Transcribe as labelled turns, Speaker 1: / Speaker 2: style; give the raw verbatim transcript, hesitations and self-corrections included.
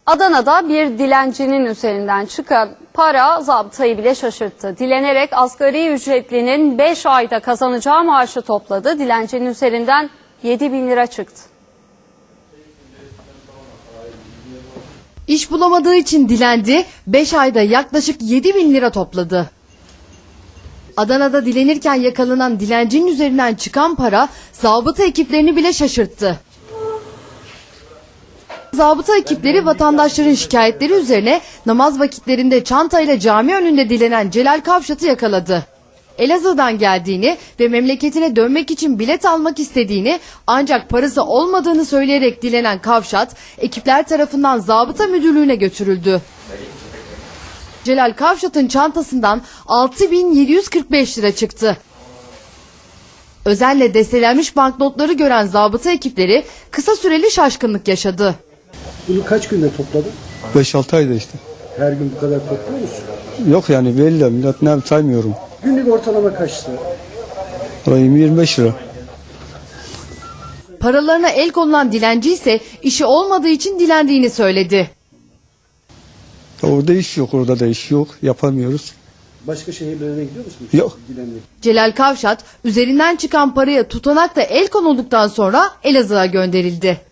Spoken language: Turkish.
Speaker 1: Adana'da bir dilencinin üzerinden çıkan para zabıtayı bile şaşırttı. Dilenerek asgari ücretlinin beş ayda kazanacağı maaşı topladı. Dilencinin üzerinden yedi bin lira çıktı.
Speaker 2: İş bulamadığı için dilendi, beş ayda yaklaşık yedi bin lira topladı. Adana'da dilenirken yakalanan dilencinin üzerinden çıkan para zabıta ekiplerini bile şaşırttı. Zabıta ekipleri vatandaşların şikayetleri üzerine namaz vakitlerinde çantayla cami önünde dilenen Celal Kavşat'ı yakaladı. Elazığ'dan geldiğini ve memleketine dönmek için bilet almak istediğini ancak parası olmadığını söyleyerek dilenen Kavşat, ekipler tarafından zabıta müdürlüğüne götürüldü. Celal Kavşat'ın çantasından altı bin yedi yüz kırk beş lira çıktı. Özenle destelenmiş banknotları gören zabıta ekipleri kısa süreli şaşkınlık yaşadı.
Speaker 3: Bunu kaç günde topladın?
Speaker 4: beş altı ayda işte.
Speaker 3: Her gün bu kadar topluyor musun?
Speaker 4: Yok yani belli, millet ne saymıyorum.
Speaker 3: Günlük ortalama kaç lira?
Speaker 4: yirmi yirmi beş lira.
Speaker 2: Paralarına el konulan dilenci ise işi olmadığı için dilendiğini söyledi.
Speaker 4: Orada iş yok, orada da iş yok. Yapamıyoruz.
Speaker 3: Başka şehirlere gidiyor musun?
Speaker 4: Yok.
Speaker 3: Dilenmek.
Speaker 2: Celal Kavşat üzerinden çıkan paraya tutanakla el konulduktan sonra Elazığ'a gönderildi.